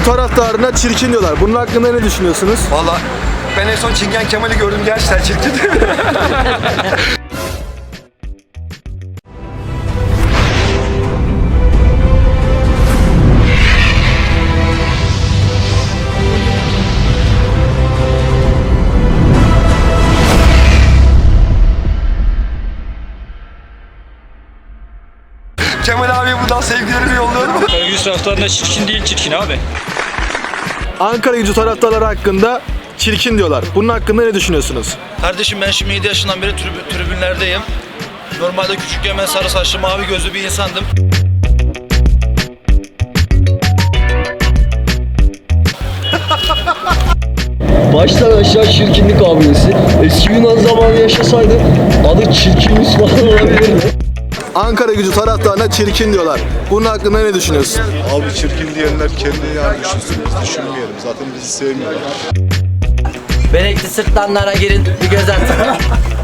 Gücü taraftarına çirkin diyorlar. Bunun hakkında ne düşünüyorsunuz? Valla ben en son Çingen Kemal'i gördüm, gerçekten çirkin. Kemal abiye buradan sevgilerimi yolluyorum. Karagümrük taraftarında çirkin değil, çirkin abi. Ankara Gücü taraftarları hakkında çirkin diyorlar. Bunun hakkında ne düşünüyorsunuz? Kardeşim ben şimdi 7 yaşından beri tribünlerdeyim. Normalde küçükken ben sarı saçlı mavi gözlü bir insandım. Baştan aşağı çirkinlik abidesi. Eski Yunan zamanı yaşasaydı adı çirkin Müslüman olabilirdi. Ankara Gücü taraftarına çirkin diyorlar. Bunun hakkında ne düşünüyorsun? Abi çirkin diyenler kendini yani düşünsün, biz düşünmeyelim. Zaten bizi sevmiyorlar. Benekli sırtlanlara girin, bir göz atın.